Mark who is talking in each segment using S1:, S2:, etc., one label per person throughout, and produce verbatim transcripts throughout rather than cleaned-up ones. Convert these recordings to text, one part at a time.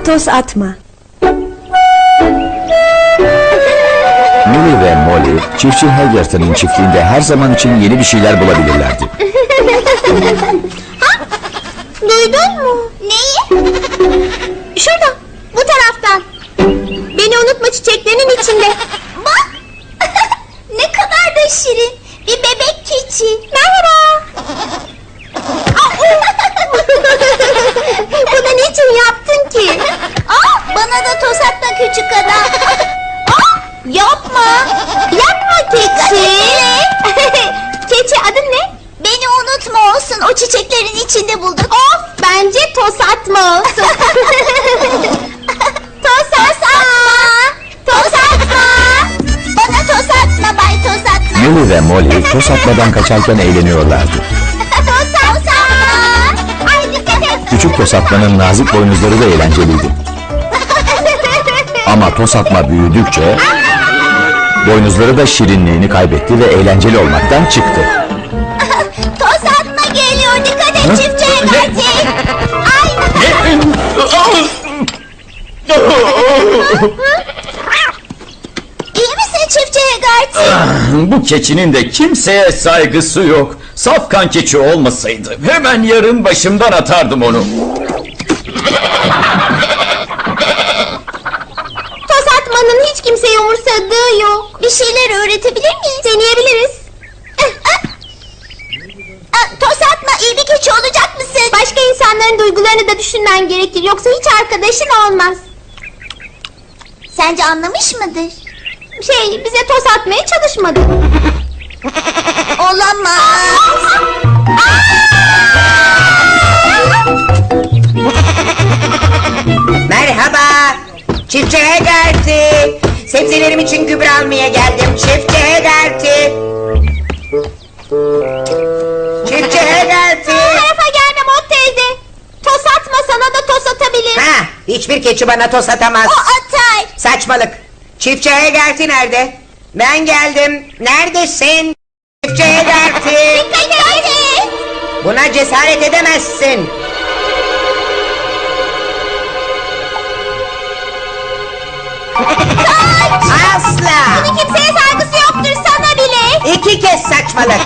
S1: Toz atma.
S2: Millie ve Molly, çiftçi Hagerton'ın çiftliğinde her zaman için yeni bir şeyler bulabilirlerdi.
S3: Duydun mu? Neyi? Şurada, bu taraftan. Beni unutma çiçeklerinin içinde. Bak! Ne kadar da şirin. Bir bebek keçi. Merhaba. Bunu niçin yaptın ki? Aa, bana da toz atma küçük adam. Aa, yapma. Yapma keçi. Keçi adın ne? Beni unutma olsun. O çiçeklerin içinde bulduk. Of, bence toz atma olsun. Toz atma. Toz atma. Bana toz atma bay toz atma.
S2: Millie ve Molly toz atmadan kaçarken eğleniyorlardı.
S3: Toz atma. Ay dikkat et.
S2: Küçük toz atmanın nazik boynuzları da eğlenceliydi. Ama toz atma büyüdükçe boynuzları da şirinliğini kaybetti ve eğlenceli olmaktan çıktı.
S3: Toz atma geliyor. Dikkat et çiftçi Hegarty. Ay. İyi misin çiftçi Hegarty?
S4: Bu keçinin de kimseye saygısı yok. Safkan keçi olmasaydı hemen yarın başımdan atardım onu.
S3: Toz atmanın hiç kimseyi umursadığı yok. Bir şeyler öğretebilir miyiz? Deneyebiliriz. Toz atma, iyi bir keçi olacak mısın? Başka insanların duygularını da düşünmen gerekir. Yoksa hiç arkadaşın olmaz. Sence anlamış mıdır? Şey, bize toz atmaya çalışmadı. Olamaz.
S5: Merhaba, çiftçi Hegarty. Sebzelerim için gübre almaya geldim, çiftçi Hegarty. Çiftçi Hegarty.
S3: Bu tarafa gelme Mot teyze. Toz atma, sana da toz atabilir.
S5: Ha, hiçbir keçi bana toz atamaz.
S3: O atar.
S5: Saçmalık. Çiftçi Hegarty nerede? Ben geldim. Neredesin? Çiftçi Hegarty.
S3: Dikkat et.
S5: Buna cesaret edemezsin. Asla.
S3: Bunun kimseye saygısı yoktur, sana bile.
S5: İki kez saçmalık.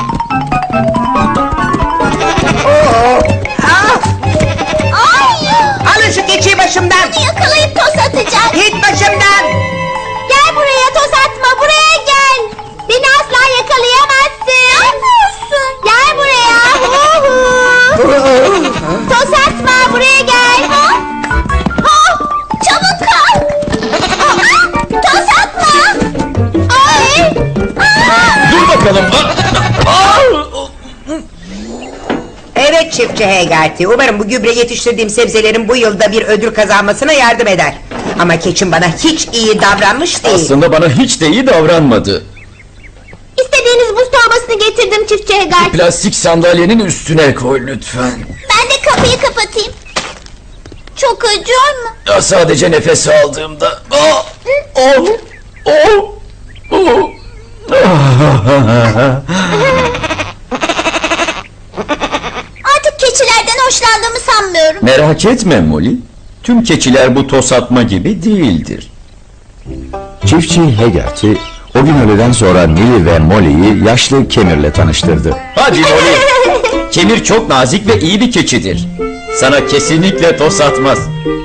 S5: Oo. Ah,
S3: Ay.
S5: alın şu keçiyi başımdan.
S3: Bunu yakalayıp toz atacak.
S5: Git başımdan.
S3: Gel buraya, toz atma, buraya gel. Beni asla yakalayamazsın. Ne yapıyorsun? Gel buraya. Toz atma, buraya gel. Ha? Ha? Çabuk kal. Toz atma. Ay.
S4: Dur bakalım.
S5: Evet çiftçi Hegarty. Umarım bu gübre yetiştirdiğim sebzelerin bu yılda bir ödül kazanmasına yardım eder. Ama keçim bana hiç iyi davranmış değil.
S4: Aslında bana hiç de iyi davranmadı.
S3: İstediğiniz buz torbasını getirdim çiftçi Hegarty.
S4: Plastik sandalyenin üstüne koy lütfen.
S3: Ben de kapıyı kapatayım. Çok acıyor mu?
S4: Ya sadece nefes aldığımda. Oh, oh, oh, oh.
S3: Artık keçilerden hoşlandığımı sanmıyorum.
S4: Merak etme Molly. Tüm keçiler bu toz atma gibi değildir.
S2: Çiftçi Hagerty, o gün öğleden sonra Millie ve Molly'yi yaşlı Kemir'le tanıştırdı.
S4: Hadi Molly. Kemir çok nazik ve iyi bir keçidir. Sana kesinlikle toz atmaz.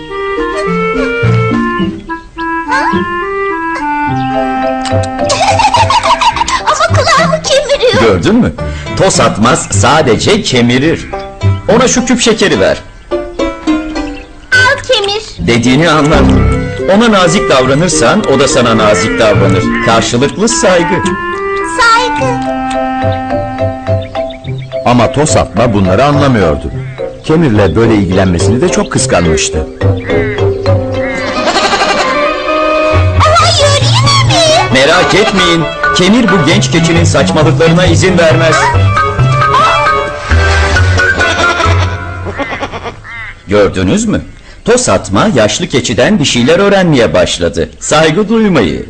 S3: Ama kulağımı kemiriyor.
S4: Gördün mü? Toz atmaz, sadece kemirir. Ona şu küp şekeri ver.
S3: Al kemir.
S4: Dediğini anlar. Ona nazik davranırsan o da sana nazik davranır. Karşılıklı saygı.
S3: Saygı.
S2: Ama toz atma bunları anlamıyordu. Kemir'le böyle ilgilenmesini de çok kıskanmıştı.
S3: Hayır, yine mi?
S4: Merak etmeyin. Kemir bu genç keçinin saçmalıklarına izin vermez. Gördünüz mü? Toz atma yaşlı keçiden bir şeyler öğrenmeye başladı. Saygı duymayı.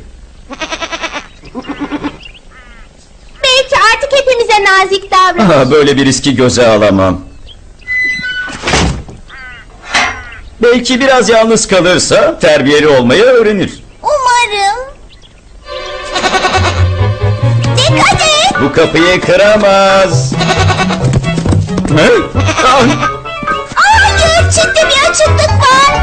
S3: Belki artık hepimize nazik davranır.
S4: Aha, böyle bir riski göze alamam. Belki biraz yalnız kalırsa terbiyeli olmayı öğrenir.
S3: Umarım. Dikkat et.
S4: Bu kapıyı kıramaz. Hey! Ah!
S3: Hayır, ciddi bir açıklık var.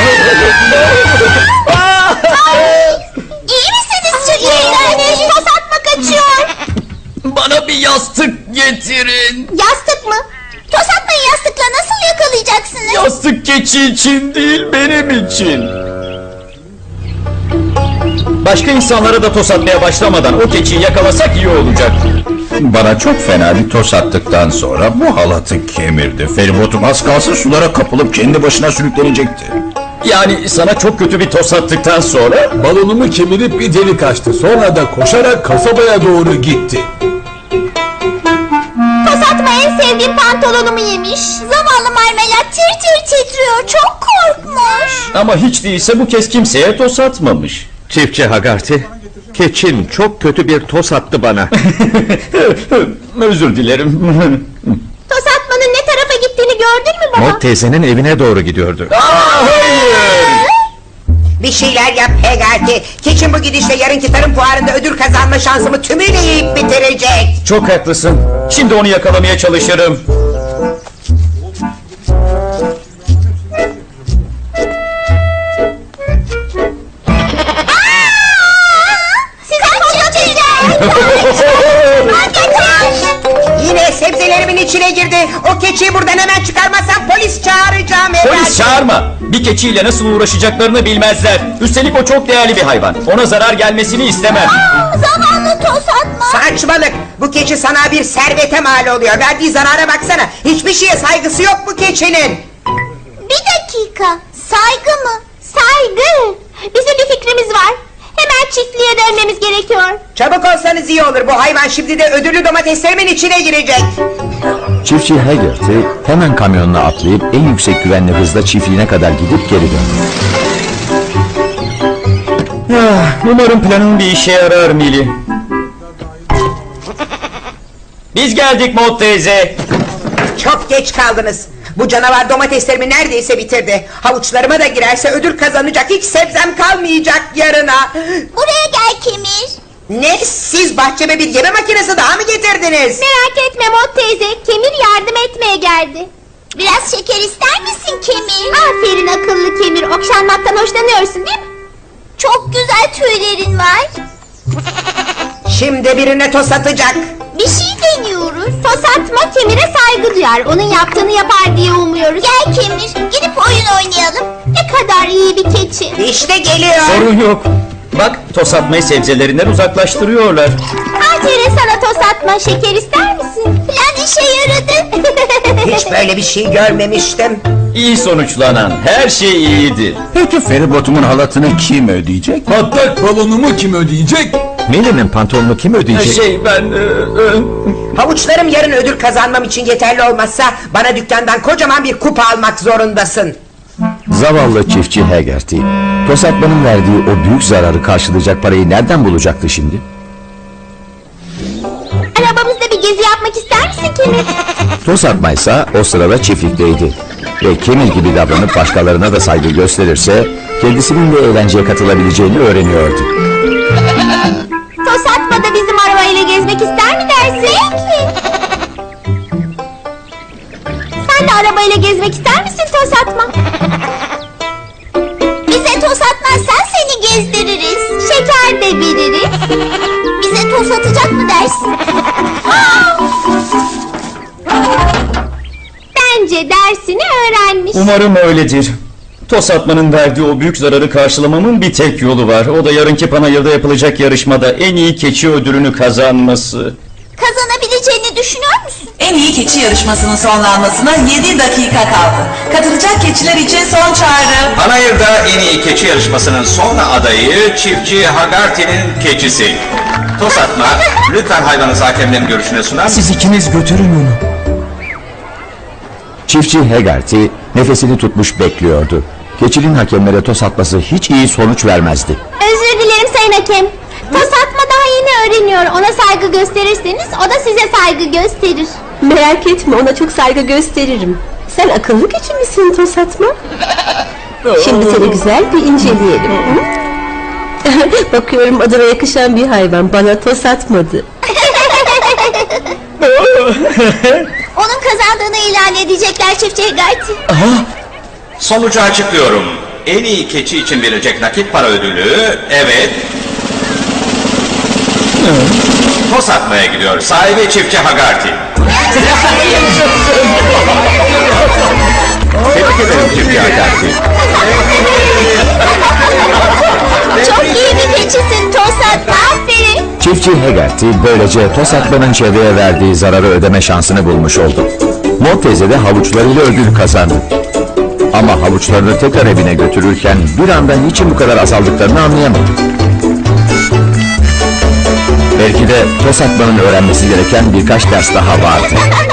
S3: İyi misiniz çocuklar? Toz atma kaçıyor.
S4: Bana bir yastık getirin.
S3: Yastık mı? Toz atmayı yastıkla nasıl yakalayacaksınız?
S4: Yastık keçi için değil, benim için. Başka insanlara da tos atmaya başlamadan o keçiyi yakalasak iyi olacak.
S2: Bana çok fena bir tos attıktan sonra bu halatı kemirdi. Feribotum az kalsın sulara kapılıp kendi başına sürüklenecekti.
S4: Yani sana çok kötü bir tos attıktan sonra...
S1: Balonumu kemirip bir delik açtı. Sonra da koşarak kasabaya doğru gitti.
S3: Toz atma en sevdiğim pantolonumu yemiş. Zavallı marmelat tir tir titriyor. Çok korkmuş.
S4: Ama hiç değilse bu kez kimseye tos atmamış.
S6: Çiftçi Hagarti, keçin çok kötü bir tos attı bana.
S4: Özür dilerim.
S3: Toz atmanın ne tarafa gittiğini gördün mü baba?
S6: Mort teyzenin evine doğru gidiyordu.
S4: Aa, hayır!
S5: Bir şeyler yap Hegarty. Keçin bu gidişle yarınki tarım fuarında ödül kazanma şansımı tümüyle yiyip bitirecek.
S4: Çok haklısın. Şimdi onu yakalamaya çalışırım.
S3: Size kaçacağım.
S5: Yine sebzelerimin içine girdi. O keçiyi buradan hemen çıkarmazsam polis çağıracağım Hegarty.
S4: Polis çağırma. Bir keçiyle nasıl uğraşacaklarını bilmezler. Üstelik o çok değerli bir hayvan. Ona zarar gelmesini istemem.
S3: Zavallı toz atma.
S5: Saçmalık. Bu keçi sana bir servete mal oluyor. Verdiği zarara baksana. Hiçbir şeye saygısı yok bu keçinin.
S3: Bir dakika. Saygı mı? Saygı. Bizim bir fikrimiz var. Hemen çiftliğe dönmemiz gerekiyor.
S5: Çabuk olsanız iyi olur. Bu hayvan şimdi de ödüllü domateslerimin içine girecek.
S2: Çiftçi Haggerty hemen kamyonuna atlayıp en yüksek güvenli hızla çiftliğine kadar gidip geri döndü.
S4: Ah, umarım planın bir işe yarar Mili. Biz geldik Mort teyze.
S5: Çok geç kaldınız. Bu canavar domateslerimi neredeyse bitirdi. Havuçlarıma da girerse ödül kazanacak hiç sebzem kalmayacak yarına.
S3: Buraya gel Kemir.
S5: Ne, siz bahçeme bir yeme makinesi daha mı getirdiniz?
S3: Merak etme Mot teyze. Kemir yardım etmeye geldi. Biraz şeker ister misin Kemir? Aferin akıllı Kemir. Okşanmaktan hoşlanıyorsun değil mi? Çok güzel tüylerin var.
S5: Şimdi birine toz atacak.
S3: Bir şey deniyoruz. Toz atma Kemir'e saygı duyar. Onun yaptığını yapar diye umuyoruz. Gel Kemir. Gidip oyun oynayalım. Ne kadar iyi bir keçi.
S5: İşte geliyor.
S4: Sorun yok. Bak, tos atmayı sebzelerinden uzaklaştırıyorlar.
S3: Aferin sana toz atma. Şeker ister misin? Plan işe yaradı.
S5: Hiç böyle bir şey görmemiştim.
S4: İyi sonuçlanan her şey iyidir.
S2: Peki feribotumun halatını kim ödeyecek?
S1: Patlak balonumu kim ödeyecek?
S6: Millie'nin pantolonunu kim ödeyecek?
S4: Şey ben... e, e,
S5: Havuçlarım yarın ödül kazanmam için yeterli olmazsa bana dükkandan kocaman bir kupa almak zorundasın.
S2: Zavallı çiftçi Haggerty, tos atmanın verdiği o büyük zararı karşılayacak parayı nereden bulacaktı şimdi?
S3: Arabamızda bir gezi yapmak ister misin Kemir?
S2: Tos atmaysa o sırada çiftlikteydi. Ve Kemir gibi davranıp başkalarına da saygı gösterirse kendisinin de eğlenceye katılabileceğini öğreniyordu.
S3: Toz atma da bizim arabayla gezmek ister mi dersin? Peki. Sen de arabayla gezmek ister misin toz atma? Bize toz atmazsan seni gezdiririz. Şeker de veririz. Bize toz atacak mı dersin? Bence dersini öğrenmiş.
S4: Umarım öyledir. Tos atmanın verdiği o büyük zararı karşılamamın bir tek yolu var. O da yarınki Panayır'da yapılacak yarışmada en iyi keçi ödülünü kazanması.
S3: Kazanabileceğini düşünüyor musun?
S7: En iyi keçi yarışmasının sonlanmasına yedi dakika kaldı. Katılacak keçiler için son çağrı.
S8: Panayır'da en iyi keçi yarışmasının son adayı çiftçi Hagarty'nin keçisi. Tos atma, lütfen hayvanı hakemlerin görüşüne sunar mısın?
S1: Siz ikiniz götürün onu.
S2: Çiftçi Haggerty nefesini tutmuş bekliyordu. Keçinin hakemlere tos atması hiç iyi sonuç vermezdi.
S3: Özür dilerim sayın hakem. Toz atma daha yeni öğreniyor. Ona saygı gösterirseniz o da size saygı gösterir.
S9: Merak etme, ona çok saygı gösteririm. Sen akıllı keçi misin Toz atma? Şimdi seni güzel bir inceleyelim. Hı? Bakıyorum adına yakışan bir hayvan. Bana toz atmadı.
S3: Onun kazandığını ilan edecekler çiftçi Hegarty.
S8: Sonucu açıklıyorum. En iyi keçi için verilecek nakit para ödülü, evet... Toz atmaya gidiyor. Sahibi çiftçi Hagarty.
S2: Tebrik ederim çiftçi Hagarty.
S3: Çok iyi bir keçisin Tosatma, aferin.
S2: Çiftçi Hegarty böylece toz atmanın çevreye verdiği zararı ödeme şansını bulmuş oldu. Mor teyze de havuçlarıyla ödül kazandı. Ama havuçlarını tekrar evine götürürken bir anda niçin bu kadar azaldıklarını anlayamadı. Belki de toz atmanın öğrenmesi gereken birkaç ders daha vardı.